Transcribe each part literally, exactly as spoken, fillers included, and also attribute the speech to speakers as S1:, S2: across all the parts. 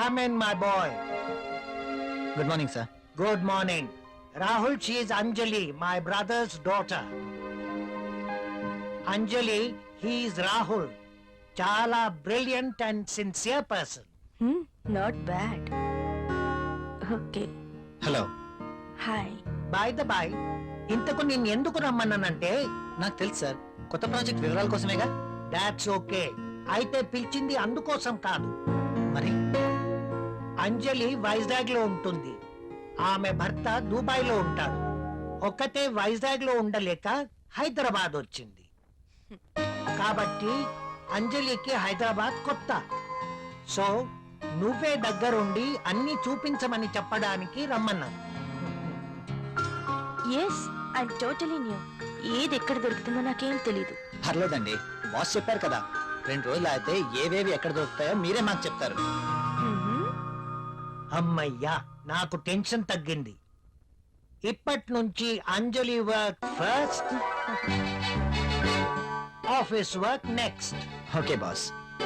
S1: Come in, my boy.
S2: Good morning, sir.
S1: Good morning. Rahul, she is Anjali, my brother's daughter. Anjali, he is Rahul. Chala brilliant and sincere person.
S3: Hmm, not bad. Okay.
S2: Hello.
S3: Hi.
S1: By the by, ఇంతకు నేను ఎందుకు రమ్మన్నానంటే
S2: నాకు తెలుసు sir, కొత్త project వివరాల కోసమేగా.
S1: That's okay. అయితే పిలిచింది అందుకోసం కాదు.
S2: మరి
S1: అంజలి వైజాగ్ లో ఉంటుంది, ఆమె భర్త దుబాయ్ లో ఉంటాడు. ఒక్కతే వైజాగ్ లో ఉండలేక హైదరాబాద్ వచ్చింది. కాబట్టి అంజలికి హైదరాబాద్ కొత్త. సో నువ్వే దగ్గరుండి అన్ని చూపించమని చెప్పడానికి రమ్మన్నాను.
S3: Yes, I'm totally new. ఏది ఎక్కడ దొరుకుతుందో నాకేం తెలీదు.
S2: పర్లేదండి, బాస్ చెప్పారు కదా, రెండు రోజులు అయితే ఏవేవి ఎక్కడ దొరుకుతాయో మీరే మాకు చెప్తారు.
S1: అమ్మయ్యా, నాకు టెన్షన్ తగ్గింది. ఇప్పటి నుంచి Anjali work first, office work next.
S2: Okay boss.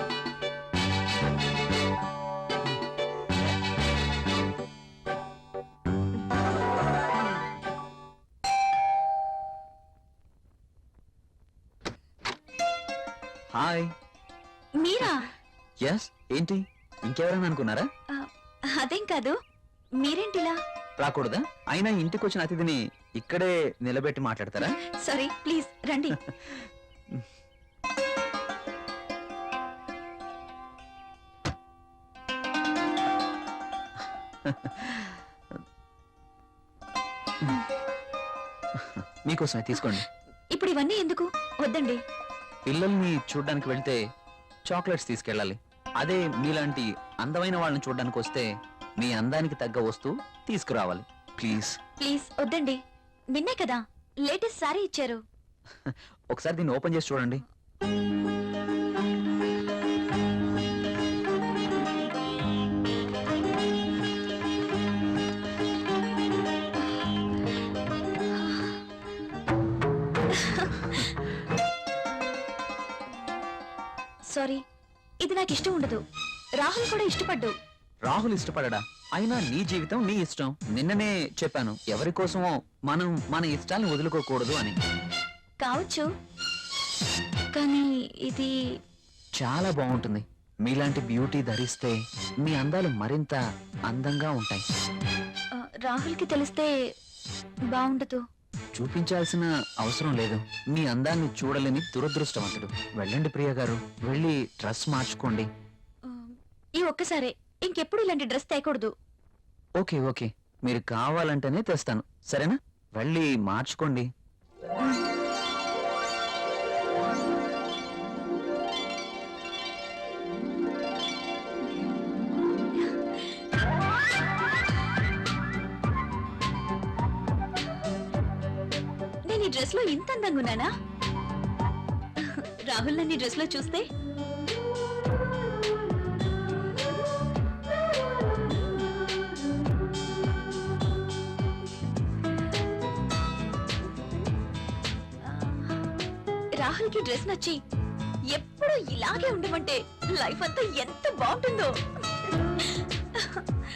S2: Hi.
S3: మీరా?
S2: ఎస్. ఏంటి, ఇంకెవరైనా అనుకున్నారా?
S3: అదేం కాదు, మీరేంటిలా?
S2: రాకూడదా? అయినా ఇంటికి వచ్చిన అతిథిని ఇక్కడే నిలబెట్టి మాట్లాడతారా?
S3: సారీ, ప్లీజ్ రండి.
S2: మీకోసమే తీసుకోండి.
S3: ఇప్పుడు ఇవన్నీ ఎందుకు? వద్దండి.
S2: పిల్లల్ని చూడ్డానికి వెళ్తే చాక్లెట్స్ తీసుకెళ్ళాలి. అదే మీలాంటి అందమైన వాళ్ళని చూడ్డానికి వస్తే మీ అందానికి తగ్గ వస్తువు తీసుకురావాలి. ప్లీజ్
S3: ప్లీజ్ వద్దండి. నిన్నే కదా లేటెస్ట్ సారీ ఇచ్చారు.
S2: ఒకసారి దీన్ని ఓపెన్ చేసి చూడండి.
S3: సారీ, ఇది నాకు ఇష్టం ఉండదు. రాహుల్ కూడా ఇష్టపడ్డు.
S2: రాహుల్ ఇష్టపడడా? అయినా నీ జీవితం నీ ఇష్టం. నిన్ననే చెప్పాను, ఎవరి కోసమో మనం మన ఇష్టాలను వదులుకోకూడదు అని.
S3: కావచ్చు, కానీ ఇది
S2: చాలా బాగుంటుంది. మీలాంటి బ్యూటీ ధరిస్తే మీ అందాలు మరింత అందంగా ఉంటాయి.
S3: రాహుల్ కి తెలిస్తే బాగుండదు.
S2: చూపించాల్సిన అవసరం లేదు. మీ అందాన్ని చూడలేని దురదృష్టవంతుడు. వెళ్ళండి ప్రియ గారు, వెళ్ళి డ్రెస్ మార్చుకోండి.
S3: ఈ ఒక్కసారే, ఇంకెప్పుడు ఇలాంటి డ్రెస్ తేకూడదు.
S2: ఓకే ఓకే, మీరు కావాలంటేనే తెస్తాను, సరేనా? వెళ్ళి మార్చుకోండి.
S3: నేను ఈ డ్రెస్ లో ఇంత అందంగా ఉన్నానా? రాహుల్ నన్ను ఈ డ్రెస్ లో చూస్తే రాహుల్ కి డ్రెస్ నచ్చి ఎప్పుడు ఇలాగే ఉండమంటే లైఫ్ అంతా ఎంత బాగుంటుందో.